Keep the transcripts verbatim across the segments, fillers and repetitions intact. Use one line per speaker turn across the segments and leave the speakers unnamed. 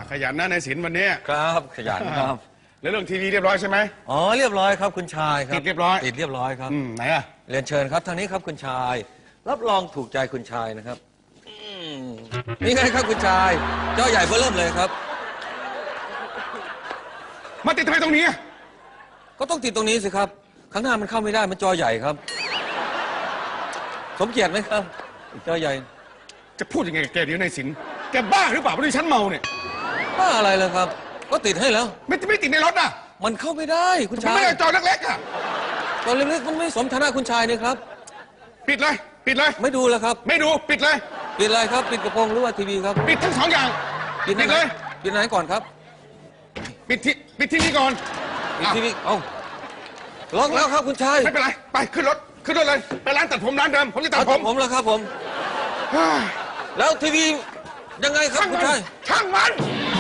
ขยันนะในศิลป์วันนี้
ครับขยันครับ
แล้วเรื่องทีวีเรียบร้อยใช่ไหม
อ๋อเรียบร้อยครับคุณชายครับ
ติดเรียบร้อย
ติดเรียบร้อยครับ
อืมไหนอะ
เรียนเชิญครับทางนี้ครับคุณชายรับรองถูกใจคุณชายนะครับนี่ไงครับคุณชายจอใหญ่เบ้อเริ่มเลยครับ
มาติดทำไมตรงนี้
ก็ต้องติดตรงนี้สิครับข้างหน้ามันเข้าไม่ได้มันจอใหญ่ครับสมเกียรติไหมครับจอใหญ่
จะพูดยังไงกับแกเดี๋ยวในศิลป์แกบ้าหรือเปล่าเพราะที่ฉันเมาเนี่ย
บ้าอะไรเลยครับก็ติดให้แล้ว
ไม่ไม่ติดในรถอ่ะ
มันเข้าไม่ได้คุณชาย
ไม่ได้จอเล็กๆอ่ะ
จอเล็กๆมันไม่สมฐานะคุณชายนี่ครับ
ปิดเลยปิดเลย
ไม่ดูแล้วครับ
ไม่ดูปิดเลย
ปิดอะไรครับปิดกระโปรงหรือว่าทีวีครับ
ปิดทั้งสองอย่าง
ปิดเลยปิดไหนก่อนครับ
ปิดที่ปิดที่นี่ก่อน
ปิดทีวีเอ้าล็อกแล้วครับคุณชาย
ไม่เป็นไรไปขึ้นรถขึ้นรถเลยไปร้านตัดผมร้านเดิมผมจะตัดผม
ผมแล้วครับผมแล้วทีวียังไงครับคุณชาย
ช่างมัน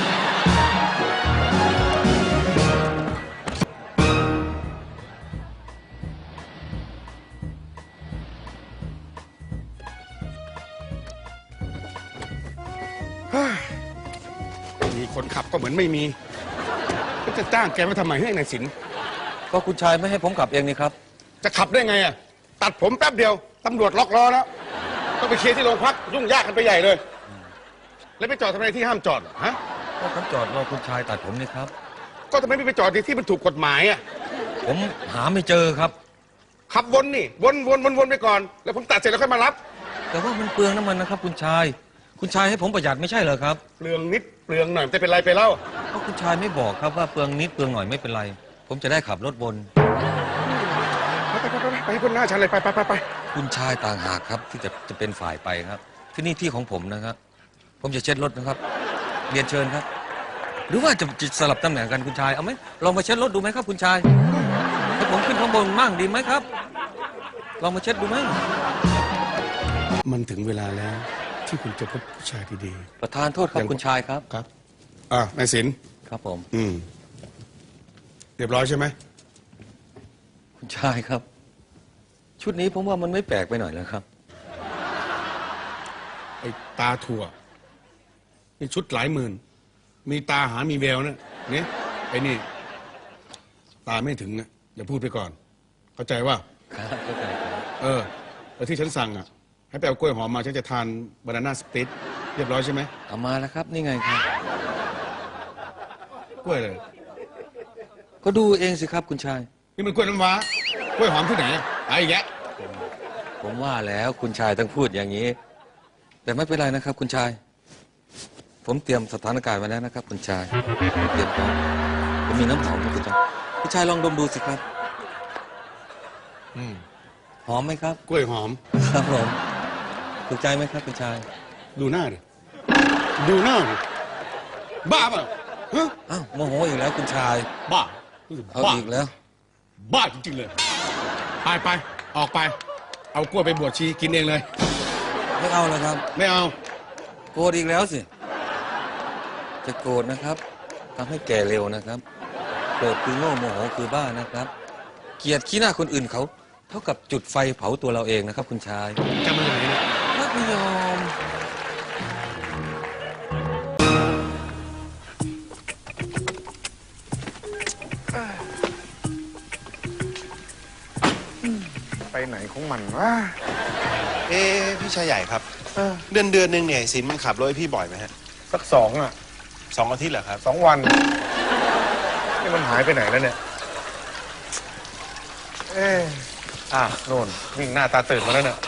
มีคนขับก็เหมือนไม่มีก็จะจ้างแกมาทำไมให้ในศิลป์
ก็คุณชายไม่ให้ผมขับเองนี่ครับ
จะขับได้ไงอ่ะตัดผมแป๊บเดียวตำรวจล็อกล้อแล้วต้องไปเคลียร์ที่โรงพักยุ่งยากกันไปใหญ่เลยแล้วไปจอดทำไมที่ห้ามจอดฮะ
ก็ผมจอดรอคุณชายตัดผมนี่ครับ
ก็ทำไมไม่ไปจอดที่ที่มันถูกกฎหมายอ่ะ
ผมหาไม่เจอครับ
ขับวนนี่วนวนวนวนไปก่อนแล้วผมตัดเสร็จแล้วค่อยมารับ
แต่ว่ามันเปลืองน้ำมันนะครับคุณชายคุณชายให้ผมประหยัดไม่ใช่เหรอครับ
เปลืองนิดเปลืองหน่อยจะเป็นไรไปเล่า
ก็คุณชายไม่บอกครับว่าเปลืองนิดเปลืองหน่อยไม่เป็นไรผมจะได้ขับรถบน
ไปไปไปไปไปพ้นหน้าฉันเลยไปไปไปไป
คุณชายต่างหากครับที่จะจะเป็นฝ่ายไปครับที่นี่ที่ของผมนะครับผมจะเช็ดรถนะครับเรียนเชิญครับหรือว่าจะจะสลับตำแหน่งกันคุณชายเอาไหมลองมาเช็ดรถดูไหมครับคุณชายให้ผมขึ้นข้างบนมั่งดีไหมครับลองมาเช็ดดูไหม
มันถึงเวลาแล้วที่คุณจะพบผู้ชายดี
ๆประธานโทษครับคุณชายครับ
ครับอ่ะนายศิลป์
ครับผม
อืมเรียบร้อยใช่ไหม
คุณชายครับชุดนี้ผมว่ามันไม่แปลกไปหน่อยแล้วครับ
ไอ้ตาถั่วนี่ชุดหลายหมื่นมีตาหามีแววนะเนี่ยไอ้นี่ตาไม่ถึงนะอย่าพูดไปก่อนเข้าใจว่า
ครับเข้าใจครับ
เออแล้วที่ฉันสั่งอ่ะให้ไปเอากล้วยหอมมาฉันจะทานบานาน่าสปริตเรียบร้อยใช่ไหม
เอามาแล้วครับนี่ไงครับ
กล้วยเลย
ก็ดูเองสิครับคุณชาย
นี่มันกล้วยน้ำว้ากล้วยหอมที่ไหนไอ้แยะ
ผมว่าแล้วคุณชายต้องพูดอย่างนี้แต่ไม่เป็นไรนะครับคุณชายผมเตรียมสถานการณ์ไว้แล้วนะครับคุณชายเตรียมพร้อมผมมีน้ำหอมนะคุณชายคุณชายลองดมดูสิครับ
อืม
หอมไหมครับ
กล้วยหอม
ครับผมถูกใจไหมครับคุณชาย
ดูหน้าดิดูหน้าดิบ้าป่ะฮะ
อ้าวโมโหอีกแล้วคุณชาย
บ้า
เอาอีกแล้ว
บ้าจริงๆเลยไปไปออกไปเอากล้วยไปบวชชีกินเองเลย
ไม่เอาแล้วครับ
ไม่เอา
โกรธอีกแล้วสิจะโกรธนะครับทำให้แก่เร็วนะครับโกรธคือโง่โมโหคือบ้านะครับเกลียดขี้หน้าคนอื่นเขาเท่ากับจุดไฟเผาตัวเราเองนะครับคุณชาย
จะมาไหนเนี่ย
ไม่ยอม
ไปไหนของมันวะ
เอ๊พี่ชายใหญ่ครับเดือนเดือนหนึ่งเนี่ยสินมันขับรถให้พี่บ่อยไหมฮะ
สักสองอ่ะ
สองอาทิตย์เหรอครับ
สองวันนี่มันหายไปไหนแล้วเนี่ยเอ๊ะอ่ะโน่นวิ่งหน้าตาตื่นมาแล้วเนี่ย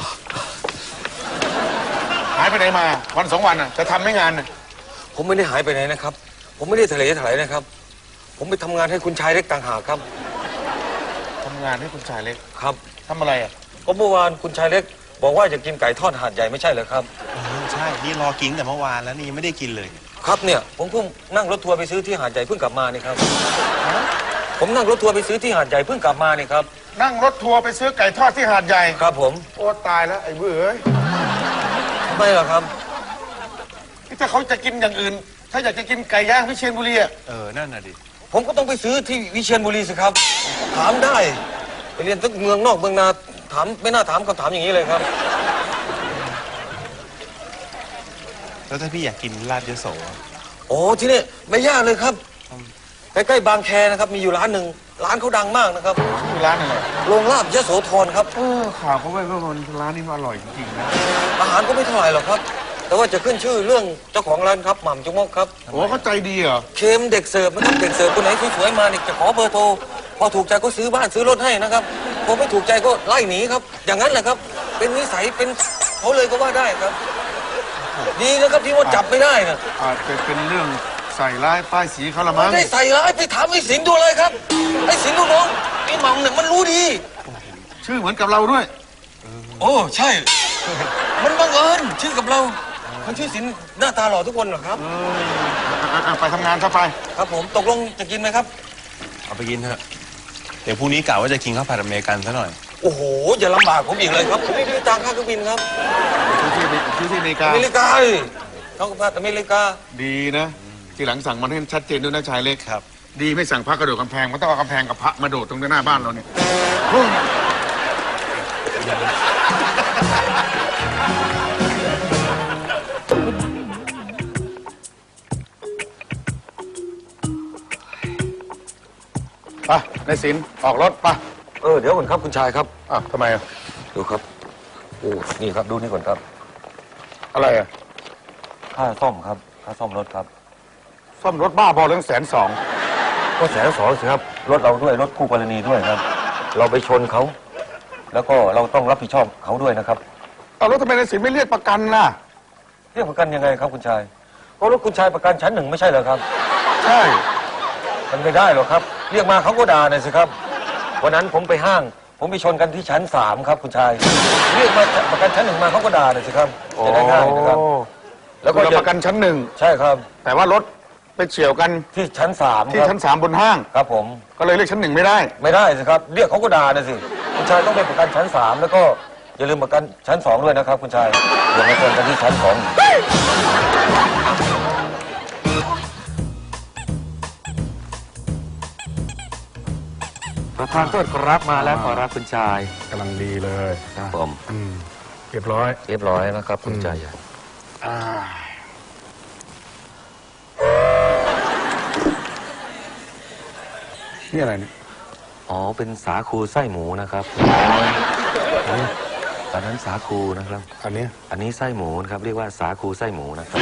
หายไปไหนมาวันสองวันอ่ะจะทำไม่งานน่ะ
ผมไม่ได้หายไปไหนนะครับผมไม่ได้ทะเลทลายนะครับผมไปทำงานให้คุณชายเล็กต่างหากครับ
ทำงานให้คุณชายเล็ก
ครับ
ทำอะไรอ่ะ
ก็เมื่อวานคุณชายเล็กบอกว่าจะกินไก่ทอดหาดใหญ่ไม่ใช่เหรอครับ
ใช่นี่รอกินแต่เมื่อวานแล้วนี่ยังไม่ได้กินเลย
ครับเนี่ยผมเพิ่งนั่งรถทัวร์ไปซื้อที่หาดใหญ่เพิ่งกลับมานี่ครับผมนั่งรถทัวร์ไปซื้อที่หาดใหญ่เพิ่งกลับมานี่ครับ
นั่งรถทัวร์ไปซื้อไก่ทอดที่หาดใหญ่
ครับผม
โอ้ตายแล้วไอ้เบื่อเอ้ย
ทำไมล่ะครับ
ถ้าเขาจะกินอย่างอื่นถ้าอยากจะกินไก่ย่างวิเชียรบุรีอ่ะ
เออนั่นน่ะดิ
ผมก็ต้องไปซื้อที่วิเชียรบุรีสิครับถามได้ไปเรียนตั้งเมืองนอกเมืองนาถามไม่น่าถามคำถามอย่างนี้เลยครับ
แล้วถ้าพี่อยากกินลาบยโส
โโอ้ที่นี่ไม่ยากเลยครับใกล้ๆบางแคนะครับมีอยู่ร้านหนึ่งร้านเขาดังมากนะครับ
ชื่อร้านอะไร
โรงลาบยโสธรครับ
เออข่าวเขาไว้ว่ามันร้านนี้มันอร่อยจริงๆนะ
อาหารก็ไม่เท่าไหร่หรอกครับ แต่ว่าจะขึ้นชื่อเรื่องเจ้าของร้านครับหม่ำจุกมกครับ
โอ้เขาใจดีเหรอ
เค็มเด็กเสิร์ฟนะครับเด็กเสิร์ฟคนไหนสวยๆมาเนี่ยจะขอเบอร์โทรพอถูกใจก็ซื้อบ้านซื้อรถให้นะครับพอไม่ถูกใจก็ไล่หนีครับ อย่างนั้นแหละครับ เป็นนิสัยเป็นเขาเลยก็ว่าได้ครับ ดีนะครับที่ว่าจับไม่ได้นะ
อาจจะเป็นเรื่องใส่ร้ายป้ายสีเขาละมั้ง
ไม่ได้ใส่ร้ายไปถามไอ้สิงห์ดูเลยครับไอ้สิงห์ดูน้องไอ้หม่ำเนี่ยมันรู้ดี
ชื่อเหมือนกับเราด้วย
โอ้ใช่ มันบังเอิญชื่อกับเรามันชื่อสินหน้าตาหล่อทุกคนเหรอครับ
อ่ะอ่ะไปทำงานซะไป
ครับผมตกลงจะกินไหมครับ
เอาไปกินเถอะ เดี๋ยวพรุ่งนี้กะว่าจะกินข้าวผัดอเมริกันซะหน่อย
โอ้โหอย่าลำบากผมอีกเลยครับผมไม่มีตังค่าเครื่องบินครับ
ชื่อที่ชื่อที่อเมริกา
อเมริกาเลยเขาก็พัดอเมริกา
ดีนะ ทีหลังสั่งมันให้ชัดเจนด้วยนะชายเล็ก
ครับ
ดีไม่สั่งพระกระโดดกำแพงมันต้องเอากำแพงกับพระมาโดดตรงหน้าบ้านเราเนี่ยไปในสินออกรถไป
เออเดี๋ยวก่อนครับคุณชายครับ
อ่ะทำไมอ่ะ
ดูครับโอ้นี่ครับดูนี่ก่อนครับ
อะไรอ่ะ
ค่าซ่อมครับค่าซ่อมรถครับ
ซ่อมรถบ้าบอเรื่องแสนสอง
ก็แสนสองสิครับรถเราด้วยรถคู่กรณีด้วยครับ เราไปชนเขาแล้วก็เราต้องรับผิดชอบเขาด้วยนะครับ
เอารถทำไมในสินไม่เรียกประกันล่ะ
เรียกประกันยังไงครับคุณชายเพราะรถคุณชายประกันชั้นหนึ่งไม่ใช่เหรอครับ
ใช่
มันไม่ได้หรอกครับ เรียกมาเขาก็ด่าหน่อยสิครับวันนั้นผมไปห้าง ผมไปชนกันที่ชั้นสามครับคุณชาย เรียกมาประกันชั้นหนึ่งมาเขาก็ด่าหน่อยสิครับจะได้ง่ายนะครับ
แล้วก็ประกันชั้นหนึ่ง
ใช่ครับ
แต่ว่ารถไปเฉี่ยวกัน
ที่ชั้นสาม
ที่
ครับ
ชั้นสามบนห้าง
ครับผม
ก็เลยเรียกชั้นหนึ่งไม่ได้
ไม่ได้สิครับ เรียกเขาก็ด่าหน่อยสิคุณชายต้องไปประกันชั้นสามแล้วก็อย่าลืมประกันชั้นสองด้วยนะครับ คุณชายอย่ามาชนกันที่ชั้นสอง
ประธานโทษครับมาแล้วขอรับคุณชาย
กำลังดีเลย
ผม
อืมเรียบร้อย
เรียบร้อยนะครับคุณชาย
อ่านี่อะไรเนี่ย
อ๋อเป็นสาคูไส้หมูนะครับอันนั้นสาคูนะครับ
อันเนี้ย
อันนี้ไส้หมูนะครับเรียกว่าสาคูไส้หมูนะครับ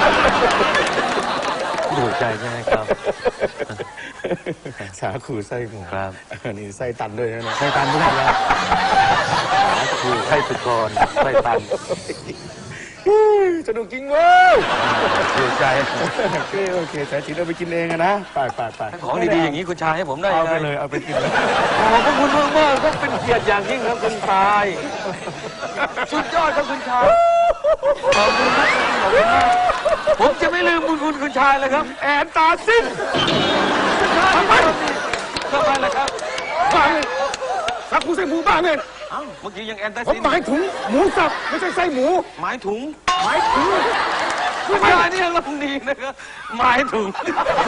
ถูกใจใช่ไหมครับ
สาคูไส้หมู
ครับ
อันนี้ไส้ตันด้วยนะ
ไส้ตันทุกอย่างแล้วสาคูไส้สุกรไส้ตัน
สนุกจริงเว้ย
ถูกใจ
โอเคโอเคแต่จริงเราไปกินเองอะนะไปไปไป
ของดีๆอย่างนี้คุณชายให้ผมได้
เอาไป
ง
เลยเอาไปกินเลย
ขอบพระคุณมากมากๆครับเป็นเกียรติอย่างยิ่งครับคุณชายสุดยอดครับคุณชายขอบคุณครับขอบคุณมากผมจะไม่ลืมบุญคุณคุณชายเลยครับ
แอนตาซิน
ทำไมทำไมล่ะครับ
บ้าเลยสาคูไส้หมูบ้าเลย
เอ้าเมื่อกี้ยังแอนตา
ผม
ซิน
หมายถึงหมูสับไม่ใช่ไส้หมู
หมายถุง
หมายถึง
คุณชายนี่ยังลำดีนะครับหมายถึง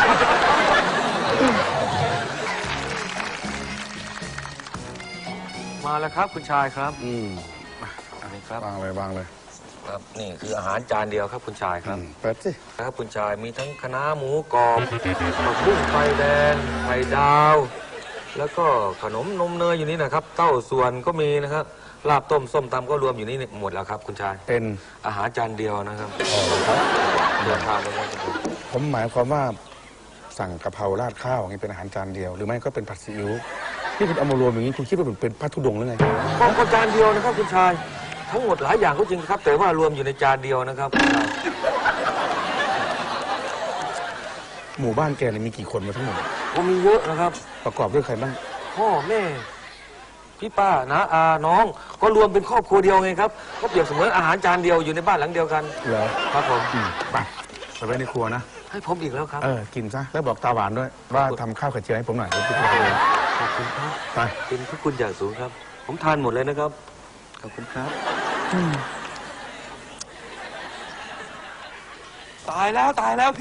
มาแล้วครับคุณชายครับ
อืม
อันนี้ครับ
วางเลยวางเลย
ครับนี่คืออาหารจานเดียวครับคุณชายครับ
อืมเปิดสิ
ครับคุณชายมีทั้งคะน้าหมูกรอบผักบุ้งไฟแดงไข่ดาว แล้วก็ขนมนมเนยอยู่นี่นะครับ เต้าส่วนก็มีนะครับลาบต้มส้มตำก็รวมอยู่นี่หมดแล้วครับ คุณชาย
เป็น
อาหารจานเดียวนะครับ
อ๋อครับ
เดือดทานเลยครับ
ผมหมายความว่าสั่งกะเพราราดข้าวอย่างนี้เป็นอาหารจานเดียว หรือไม่ก็เป็นผัดซีอิ๊วที่คุณเอามารวมอย่างนี้คุณคิดว่าเป็นเป็นพัทธุดงค์หรือไง
ก็ก็จานเดียวนะครับคุณชาย ทั้งหมดหลายอย่างก็จริงครับ แต่ว่ารวมอยู่ในจานเดียวนะครับคุณชาย
หมู่บ้านแกเนี่ยมีกี่คนมาทั้งหมด
ก็มีเยอะนะครับ
ประกอบด้วยใครบ้าง
พ่อแม่พี่ป้าน้าอาน้อง ก็รวมเป็นครอบครัวเดียวไงครับก็เปรียบเสมือนอาหารจานเดียวอยู่ในบ้านหลังเดียวกัน
เหรอ
ครับผม
อืมไปไปไว้ในครัวนะ
ให้ผมอีกแล้วครับ
เออ กินซะ แล้วบอกตาหวานด้วย ว่าทำข้าวไข่เจียวให้ผมหน่อยเดี๋ยวพี่ไปเอง
ขอบคุณครับ
ไป
เป็นพระคุณอย่างสูงครับ ผมทานหมดเลยนะครับ ขอบคุณครับ
ตายแล้วตายแล้ว